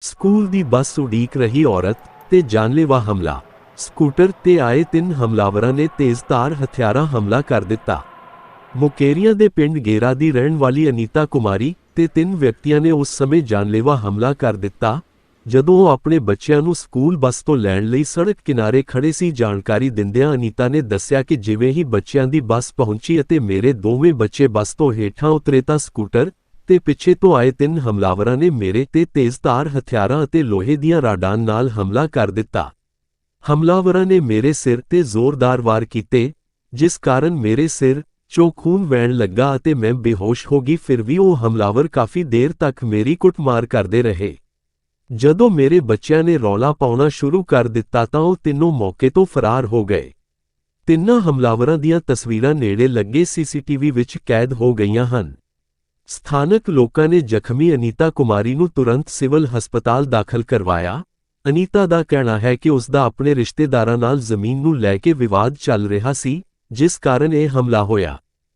School ਦੀ ਬੱਸ ਉਡੀਕ ਰਹੀ ਔਰਤ ਤੇ ਜਾਨਲੇਵਾ ਹਮਲਾ। ਸਕੂਟਰ ਤੇ ਆਏ 3 ਹਮਲਾਵਰਾਂ ਨੇ ਤੇਜ਼ਧਾਰ ਹਥਿਆਰਾਂ ਹਮਲਾ ਕਰ ਦਿੱਤਾ। ਮੁਕੇਰੀਆਂ ਦੇ ਪਿੰਡ ਗੇਰਾ ਦੀ ਰਹਿਣ ਵਾਲੀ ਅਨੀਤਾ ਕੁਮਾਰੀ ਤੇ 3 ਵਿਅਕਤੀਆਂ ਨੇ ਉਸ ਸਮੇਂ ਜਾਨਲੇਵਾ ਹਮਲਾ ਕਰ ਦਿੱਤਾ ਜਦੋਂ ਉਹ ਆਪਣੇ ਬੱਚਿਆਂ ਨੂੰ ਸਕੂਲ ਬੱਸ ਤੋਂ ਲੈਣ ਲਈ ਸੜਕ ਕਿਨਾਰੇ ਖੜੇ ਸੀ। ਜਾਣਕਾਰੀ ਦਿੰਦਿਆਂ ਅਨੀਤਾ ਨੇ ਦੱਸਿਆ ਕਿ ਜਿਵੇਂ ਹੀ ਬੱਚਿਆਂ ਦੀ ਬੱਸ ਪਹੁੰਚੀ ਅਤੇ ਮੇਰੇ ਦੋਵੇਂ ਬੱਚੇ ਬੱਸ ਤੋਂ ਹੇਠਾਂ ਉਤਰੇ ਤਾਂ ਸਕੂਟਰ ਤੇ ਪਿੱਛੇ ਤੋਂ ਆਏ 3 ਹਮਲਾਵਰਾਂ ਨੇ ਮੇਰੇ ਤੇ ਤੇਜ਼ਧਾਰ ਹਥਿਆਰਾਂ ਅਤੇ ਲੋਹੇ ਦੀਆਂ ਰਾਡਾਂ ਨਾਲ ਹਮਲਾ ਕਰ ਦਿੱਤਾ। ਹਮਲਾਵਰਾਂ ਨੇ ਮੇਰੇ ਸਿਰ ਤੇ ਜ਼ੋਰਦਾਰ ਵਾਰ ਕੀਤੇ, ਜਿਸ ਕਾਰਨ ਮੇਰੇ ਸਿਰ ਚੋਂ ਖੂਨ ਵਹਿਣ ਲੱਗਾ ਅਤੇ ਮੈਂ ਬੇਹੋਸ਼ ਹੋ ਗਈ। ਫਿਰ ਵੀ ਉਹ ਹਮਲਾਵਰ ਕਾਫੀ ਦੇਰ ਤੱਕ ਮੇਰੀ ਕੁੱਟਮਾਰ ਕਰਦੇ ਰਹੇ। ਜਦੋਂ ਮੇਰੇ ਬੱਚਿਆਂ ਨੇ ਰੌਲਾ ਪਾਉਣਾ ਸ਼ੁਰੂ ਕਰ ਦਿੱਤਾ ਤਾਂ ਉਹ ਤਿੰਨੋਂ ਮੌਕੇ ਤੋਂ ਫਰਾਰ ਹੋ ਗਏ। ਤਿੰਨਾਂ ਹਮਲਾਵਰਾਂ ਦੀਆਂ ਤਸਵੀਰਾਂ ਨੇੜੇ ਲੱਗੇ ਸੀਸੀਟੀਵੀ ਵਿੱਚ ਕੈਦ ਹੋ ਗਈਆਂ ਹਨ। ਸਥਾਨਕ ਲੋਕਾਂ ਨੇ ਜ਼ਖਮੀ ਅਨੀਤਾ ਕੁਮਾਰੀ ਨੂੰ ਤੁਰੰਤ ਸਿਵਲ ਹਸਪਤਾਲ ਦਾਖਲ ਕਰਵਾਇਆ। ਅਨੀਤਾ ਦਾ ਕਹਿਣਾ ਹੈ ਕਿ ਉਸ ਦਾ ਆਪਣੇ ਰਿਸ਼ਤੇਦਾਰਾਂ ਨਾਲ ਜ਼ਮੀਨ ਨੂੰ ਲੈ ਕੇ ਵਿਵਾਦ ਚੱਲ ਰਿਹਾ ਸੀ, ਜਿਸ ਕਾਰਨ ਇਹ ਹਮਲਾ ਹੋਇਆ।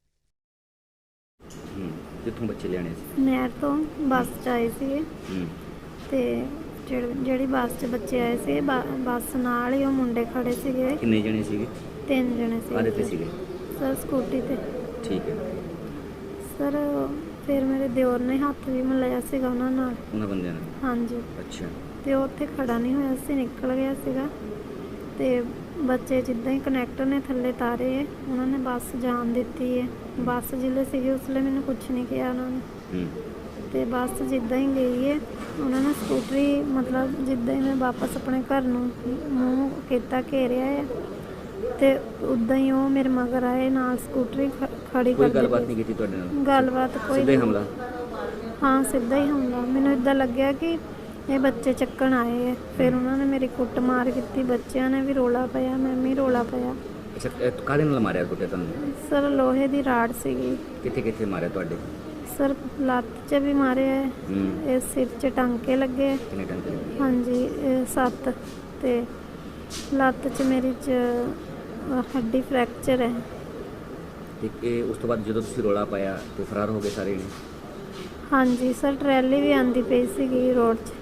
ਕਿੱਥੋਂ ਬੱਚੇ ਲਿਆਣੇ ਸੀ? ਨਹਿਰ ਤੋਂ ਬੱਸ 'ਚ ਆਏ ਸੀਗੇ ਤੇ ਜਿਹੜੀ ਬੱਸ 'ਚ ਬੱਚੇ ਆਏ ਸੀ ਬੱਸ ਨਾਲ ਹੀ ਉਹ ਮੁੰਡੇ ਖੜੇ ਸੀਗੇ। ਕਿੰਨੇ ਜਣੇ ਸੀਗੇ? 3 ਜਣੇ ਸੀ। ਕਾਹਦੇ ਤੇ ਸੀਗੇ? ਸਰ ਸਕੂਟੀ ਤੇ। ਠੀਕ ਹੈ ਸਰ ਫਿਰ ਮੇਰੇ ਦਿਓਰ ਨੇ ਹੱਥ ਵੀ ਮਿਲਾਇਆ ਸੀਗਾ ਉਹਨਾਂ ਨਾਲ, ਉਹਨਾਂ ਬੰਦਿਆਂ ਨਾਲ? ਹਾਂਜੀ। ਅੱਛਾ। ਤੇ ਉਹ ਉੱਥੇ ਖੜਾ ਨਹੀਂ ਹੋਇਆ ਸੀ, ਨਿਕਲ ਗਿਆ ਸੀਗਾ ਤੇ ਬੱਚੇ ਜਿੱਦਾਂ ਹੀ ਕਨੈਕਟਰ ਨੇ ਥੱਲੇ ਤਾਰੇ ਉਹਨਾਂ ਨੇ ਬੱਸ ਜਾਣ ਦਿੱਤੀ ਹੈ। ਬੱਸ ਜਿੱਲੇ ਸੀਗੇ ਉਸ ਵੇਲੇ ਮੈਨੂੰ ਕੁਛ ਨਹੀਂ ਕਿਹਾ ਉਹਨਾਂ ਨੇ ਤੇ ਬੱਸ ਜਿੱਦਾਂ ਹੀ ਗਈ ਹੈ ਉਹਨਾਂ ਨੇ ਸਕੂਟਰੀ ਮਤਲਬ ਜਿੱਦਾਂ ਹੀ ਮੈਂ ਵਾਪਸ ਆਪਣੇ ਘਰ ਨੂੰ ਮੂੰਹ ਕੀਤਾ ਘੇਰਿਆ ਹੈ ਤੇ ਉੱਦਾਂ ਹੀ ਉਹ ਮੇਰੇ ਮਗਰ ਆਏ ਨਾਲ ਸਕੂਟਰੀ ਖੜੀ ਕਰ ਦਿੱਤੀ। ਕੋਈ ਗੱਲਬਾਤ ਨਹੀਂ ਕੀਤੀ ਤੁਹਾਡੇ ਨਾਲ? ਗੱਲਬਾਤ ਕੋਈ ਸਿੱਧਾ ਹੀ ਹਮਲਾ? ਹਾਂ ਸਿੱਧਾ ਹੀ ਹਮਲਾ। ਮੈਨੂੰ ਇੱਦਾਂ ਲੱਗਿਆ ਕਿ ਇਹ ਬੱਚੇ ਚੱਕਣ ਆਏ ਹੈ। ਫਿਰ ਉਹਨਾਂ ਨੇ ਮੇਰੀ ਕੁੱਟਮਾਰ ਕੀਤੀ, ਬੱਚਿਆਂ ਨੇ ਵੀ ਰੋਲਾ ਪਾਇਆ, ਮੈਂ ਵੀ ਰੋਲਾ ਪਾਇਆ। ਅੱਛਾ, ਕਾਹਦੇ ਨਾਲ ਮਾਰਿਆ ਕੁੱਟਿਆ ਤੁਹਾਨੂੰ? ਸਰ ਲੋਹੇ ਦੀ ਰਾੜ ਸੀਗੀ। ਕਿੱਥੇ ਕਿੱਥੇ ਮਾਰਿਆ ਤੁਹਾਡੇ? ਸਰ ਲੱਤ 'ਚ ਵੀ ਮਾਰਿਆ ਹੈ, ਇਹ ਸਿਰ 'ਚ ਟਾਂਕੇ ਲੱਗੇ। ਕਿੰਨੇ ਟਾਂਕੇ ਲੱਗੇ? ਹਾਂਜੀ 7 ਤੇ ਲੱਤ 'ਚ ਮੇਰੀ 'ਚ ਹੱਡੀ ਫ੍ਰੈਕਚਰ ਹੈ। ਤੇ ਇਹ ਉਸ ਤੋਂ ਬਾਅਦ ਜਦੋਂ ਤੁਸੀਂ ਰੋਲਾ ਪਾਇਆ ਤੇ ਫਰਾਰ ਹੋ ਗਏ ਸਾਰੇ ਨੇ? ਹਾਂਜੀ ਸਰ ਟਰੈਲੀ ਵੀ ਆਂਦੀ ਪਈ ਸੀਗੀ ਰੋਡ 'ਚ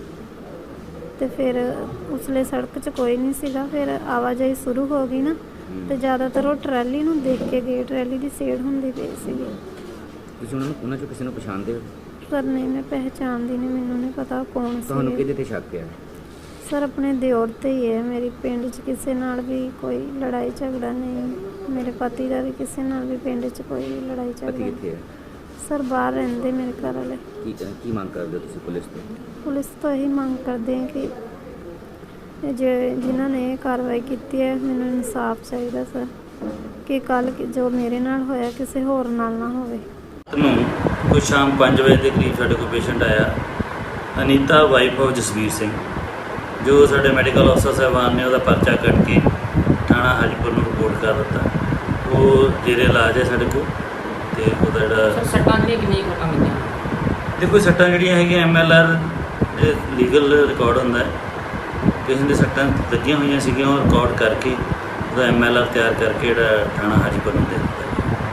ਤੇ ਫਿਰ ਉਸਲੇ ਸੜਕ 'ਚ ਕੋਈ ਨਹੀਂ ਸੀਗਾ। ਫਿਰ ਆਵਾਜਾਈ ਸ਼ੁਰੂ ਹੋ ਗਈ ਨਾ ਤੇ ਜ਼ਿਆਦਾਤਰ ਉਹ ਟਰੈਲੀ ਨੂੰ ਦੇਖ ਕੇ ਗਏ, ਟਰੈਲੀ ਦੀ ਸੇੜ ਹੁੰਦੀ ਪਈ ਸੀਗੀ। ਤੁਸੀਂ ਉਹਨਾਂ ਚੋਂ ਕਿਸੇ ਨੂੰ ਪਛਾਣਦੇ ਹੋ? ਸਰ ਨਹੀਂ, ਮੈਂ ਪਹਿਚਾਣਦੀ ਨਹੀਂ, ਮੈਨੂੰ ਨਹੀਂ ਪਤਾ ਕੌਣ ਸੀ। ਤੁਹਾਨੂੰ ਕਿਹਦੇ ਤੇ ਸ਼ੱਕ ਹੈ? ਸਰ ਆਪਣੇ ਦਿਓਰ ਤੇ ਹੀ ਹੈ। ਮੇਰੀ ਪਿੰਡ 'ਚ ਕਿਸੇ ਨਾਲ ਵੀ ਕੋਈ ਲੜਾਈ ਝਗੜਾ ਨਹੀਂ। ਮੇਰੇ ਪਤੀ ਦਾ ਵੀ ਕਿਸੇ ਨਾਲ ਵੀ ਪਿੰਡ 'ਚ ਕੋਈ ਲੜਾਈ ਝਗੜਾ ਪਤੀ ਕਿੱਥੇ ਹੈ? ਸਰ ਬਾਹਰ ਰਹਿੰਦੇ ਮੇਰੇ ਘਰ ਵਾਲੇ। ਕੀ ਮੰਗ ਕਰਦੇ ਹੋ ਤੁਸੀਂ ਪੁਲਿਸ ਤੋਂ? ਪੁਲਿਸ ਤੋਂ ਇਹੀ ਮੰਗ ਕਰਦੇ ਹਾਂ ਕਿ ਜਿਨ੍ਹਾਂ ਨੇ ਇਹ ਕਾਰਵਾਈ ਕੀਤੀ ਹੈ ਮੈਨੂੰ ਇਨਸਾਫ ਚਾਹੀਦਾ ਸਰ, ਕਿ ਕੱਲ੍ਹ ਜੋ ਮੇਰੇ ਨਾਲ ਹੋਇਆ ਕਿਸੇ ਹੋਰ ਨਾਲ ਨਾ ਹੋਵੇ। ਕੋਈ ਸ਼ਾਮ 5 ਵਜੇ ਦੇ ਕਰੀਬ ਸਾਡੇ ਕੋਲ ਪੇਸ਼ੈਂਟ ਆਇਆ, ਅਨੀਤਾ ਵਾਈਫ ਆਫ ਜਸਵੀਰ ਸਿੰਘ, ਜੋ ਸਾਡੇ ਮੈਡੀਕਲ ਅਫਸਰ ਸਾਹਿਬਾਨ ਨੇ ਉਹਦਾ ਪਰਚਾ ਕੱਟ ਕੇ ਥਾਣਾ ਹਾਜੀਪੁਰ ਨੂੰ ਰਿਪੋਰਟ ਕਰ ਦਿੱਤਾ। ਉਹ ਜੇਰੇ ਇਲਾਜ ਹੈ ਸਾਡੇ ਕੋਲ ਤੇ ਉਹਦਾ ਜਿਹੜਾ ਸੱਟਾਂ ਦੀਆਂ ਕਿੰਨੀਆਂ ਕੁ ਲੱਗੀਆਂ? ਦੇਖੋ ਸੱਟਾਂ ਜਿਹੜੀਆਂ ਹੈਗੀਆਂ MLR ਲੀਗਲ ਰਿਕਾਰਡ ਹੁੰਦਾ ਹੈ, ਕਿਸੇ ਦੇ ਸੱਟਾਂ ਲੱਗੀਆਂ ਹੋਈਆਂ ਸੀਗੀਆਂ ਉਹ ਰਿਕਾਰਡ ਕਰਕੇ ਉਹਦਾ MLR ਤਿਆਰ ਕਰਕੇ ਜਿਹੜਾ ਥਾਣਾ ਹਾਜੀਪੁਰ ਨੂੰ ਦੇ ਦਿੱਤਾ।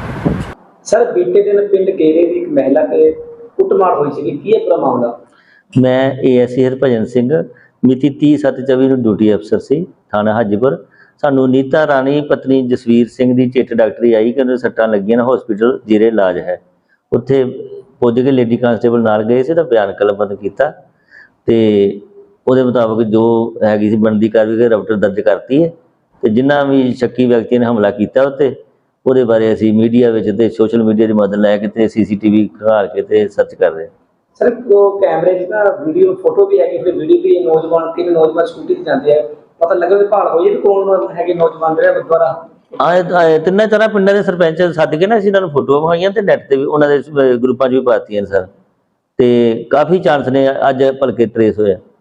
ਸਰ ਬੀਤੇ ਦਿਨ ਪਿੰਡ ਗੇਰੇ ਦੀ ਇੱਕ ਮਹਿਲਾ ਤੇ ਕੁੱਟਮਾਰ ਹੋਈ ਸੀ, ਕੀ ਹੈ ਪੂਰਾ ਮਾਮਲਾ? ਮੈਂ ASI ਹਰਭਜਨ ਸਿੰਘ ਮਿਤੀ 30/7/24 ਨੂੰ ਡਿਊਟੀ ਅਫਸਰ ਸੀ ਥਾਣਾ ਹਾਜੀਪੁਰ। ਸਾਨੂੰ ਨੀਤਾ ਰਾਣੀ ਪਤਨੀ ਜਸਵੀਰ ਸਿੰਘ ਦੀ ਚਿੱਠ ਡਾਕਟਰੀ ਆਈ ਕਿ ਉਹਨੂੰ ਸੱਟਾਂ ਲੱਗੀਆਂ ਨੇ, ਹਸਪੀਟਲ ਜੀਰੇ ਇਲਾਜ ਹੈ। ਉੱਥੇ ਪੁੱਜ ਕੇ ਲੇਡੀ ਕਾਂਸਟੇਬਲ ਨਾਲ ਗਏ ਸੀ ਤਾਂ ਬਿਆਨ ਕਲਮਬੰਦ ਕੀਤਾ ਤੇ ਉਹਦੇ ਮੁਤਾਬਕ ਜੋ ਹੈਗੀ ਸੀ ਬਣਦੀ ਕਾਰਵਾਈ ਰਪਟ ਦਰਜ ਕਰਤੀ ਹੈ ਤੇ ਜਿਨ੍ਹਾਂ ਵੀ ਸ਼ੱਕੀ ਵਿਅਕਤੀ ਨੇ ਹਮਲਾ ਕੀਤਾ ਉੱਤੇ ਉਹਦੇ ਬਾਰੇ ਅਸੀਂ ਮੀਡੀਆ ਵਿੱਚ ਤੇ ਸੋਸ਼ਲ ਮੀਡੀਆ ਦੀ ਮਦਦ ਲੈ ਕੇ ਤੇ CCTV ਖੰਗਾਲ ਕੇ ਤੇ ਸਰਚ ਕਰ ਰਹੇ ਹਾਂ। ਸਰ ਉਹ ਕੈਮਰੇ 'ਚ ਨਾ ਵੀਡੀਓ ਫੋਟੋ ਵੀ ਹੈਗੀ, ਫਿਰ ਵੀਡੀਓ ਵੀ ਨੌਜਵਾਨ ਸਕੂਟੀ ਤੇ ਜਾਂਦੇ ਆ, ਪਤਾ ਲੱਗਾ ਵੀ ਭਾਲ ਹੋਈ ਵੀ ਕੌਣ ਹੈਗੇ ਨੌਜਵਾਨ ਜਿਹੜੇ ਦੁਆਰਾ ਆਏ 3-4 ਪਿੰਡਾਂ ਦੇ ਸਰਪੰਚ ਸੱਦ ਕੇ ਨਾ ਅਸੀਂ ਇਹਨਾਂ ਨੂੰ ਫੋਟੋਆਂ ਵਿਖਾਈਆਂ ਤੇ ਨੈੱਟ ਤੇ ਵੀ ਉਹਨਾਂ ਦੇ ਗਰੁੱਪਾਂ 'ਚ ਵੀ ਪਾਤੀਆਂ ਸਰ, ਤੇ ਕਾਫੀ ਚਾਂਸ ਨੇ ਅੱਜ ਭਲਕੇ ਟਰੇਸ ਹੋਇਆ।